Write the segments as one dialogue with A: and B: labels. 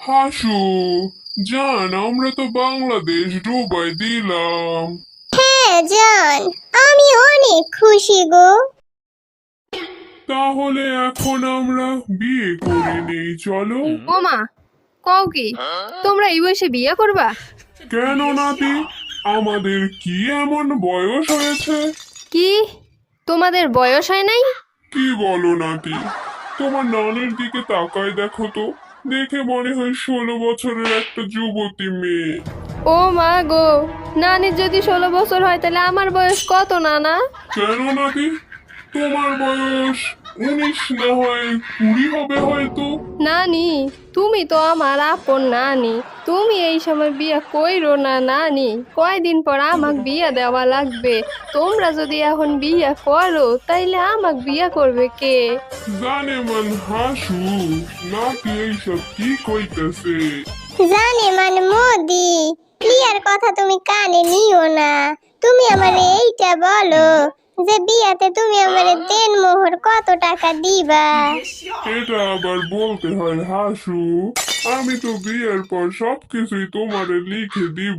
A: হাসু, জান আমরা তো বাংলাদেশ ডুবাই দিলাম।
B: হ্যাঁ জান, আমি অনেক খুশি গো।
A: তাহলে এখন আমরা বিয়ে করে নেই, চলো।
C: ওমা, কও কি তোমরা এই বয়সে বিয়ে করবা?
A: কেন নাতি, আমাদের কি এমন বয়স হয়েছে?
C: কি তোমাদের বয়স হয় নাই?
A: কি বলো নাতি, তোমার নানের দিকে তাকায় দেখো তো, দেখে মনে হয় 16 বছরের একটা যুবতী মেয়ে।
C: ও মা গো, নানির যদি 16 বছর হয় তাহলে আমার বয়স কত নানা?
A: কেন নাতি, তোমার বয়স 19 না হয় 20 হবে হয়তো।
C: নানি, তুমি তো আমার আপন নানি, তুমি এই সময় বিয়ে কইরো না নানি। কয়দিন পর আমাক বিয়ে দেওয়া লাগবে। তোমরা যদি এখন বিয়ে করো তাইলে আমাক বিয়ে করবে কে?
A: জানে মান হাসু, নাতি এইসব কি কইতেছে?
B: জানে মানে মোদি, প্রিয়ার কথা তুমি কানে নিও না। তুমি আমারে এইটা বলো যে বিয়াতে তুমি আমারে দেন মোহর কত টাকা দিবা?
A: এটা আবার বলতে হয় হাসু, আমি তো বিয়ের পর সবকিছুই তোমারে লিখে দিব।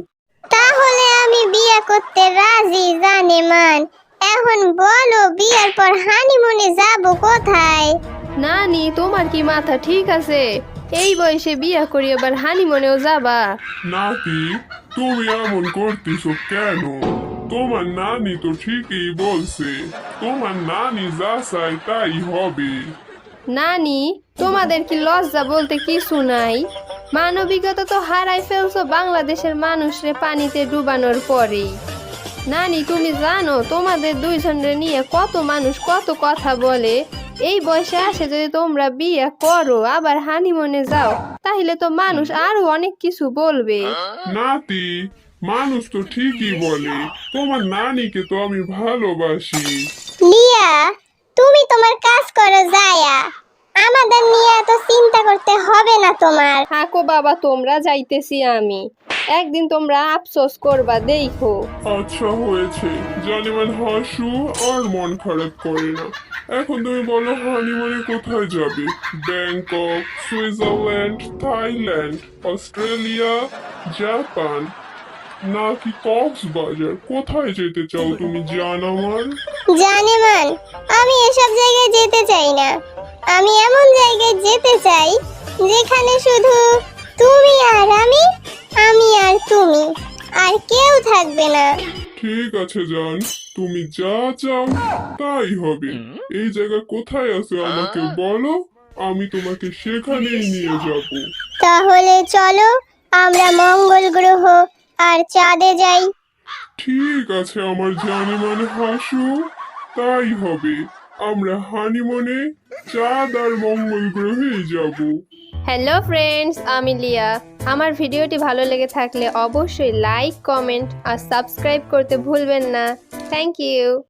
B: তাহলে আমি বিয়ে করতে রাজি জানে মান। এখন বলো বিয়ের পর হানিমুনে যাব কোথায়?
C: নানি, তোমার কি মাথা ঠিক আছে? এই বয়সে বিয়ে করি আবার হানিমুনেও যাবা?
A: নাতি, তুমি এমন করতেছো কেন? তোমার নানি তো ঠিকই বলছে, তোমার নানি যা চায় তাই হবে।
C: নানি, তোমাদের কি লজ্জা বলতে কিছু নাই? মানবিকতা তো হারাই ফেলছো বাংলাদেশের মানুষরে পানিতে ডুবানোর পরেই। নানি, তুমি জানো তোমাদের দুইজনের নিয়ে কত মানুষ কত কথা বলে? এই বয়সে আসে যদি তোমরা বিয়ে করো আবার হানিমুনে যাও, তাহলে তো মানুষ আরো অনেক কিছু বলবে।
A: নাতি, মানুষ তো ঠিকই বলে, তোমার নানিকে তো আমি ভালোবাসি।
B: লিয়া, তুমি তোমার কাজ করো যায়া, আমাদের নিয়ে এত চিন্তা করতে হবে না তোমার।
C: থাকো বাবা, তোমরা যাইতেছি আমি। একদিন তোমরা আফসোস করবা দেখো।
A: আচ্ছা হয়েছে, জানিমান হাসু আর মন খারাপ করে না। এখন তুমি বলো হানিমুনে কোথায় যাবে? Bangkok, Switzerland, Thailand, Australia, Japan নাকি কক্সবাজার? কোথায় যেতে চাও তুমি জান আমার?
B: জানে মান, আমি এসব জায়গায় যেতে চাই না। আমি এমন জায়গায় যেতে চাই যেখানে শুধু তুমি আর আমি আর তুমি, আর কেউ থাকবে না।
A: ঠিক আছে জান, তুমি যা চাও তাই হবে। এই জায়গা কোথায় আছে আমাকে বলো, আমি তোমাকে সেখানেই নিয়ে যাব।
B: তাহলে চলো আমরা মঙ্গল গ্রহ আর চাঁদে যাই।
A: ঠিক আছে আমার জানিমান হাসু, তাই হবে। আমরা হানিমুনে চাঁদ আর মঙ্গল গ্রহেই যাব।
C: হ্যালো ফ্রেন্ডস, আমি লিয়া। আমার ভিডিওটি ভালো লেগে থাকলে অবশ্যই লাইক, কমেন্ট আর সাবস্ক্রাইব করতে ভুলবেন না। Thank you.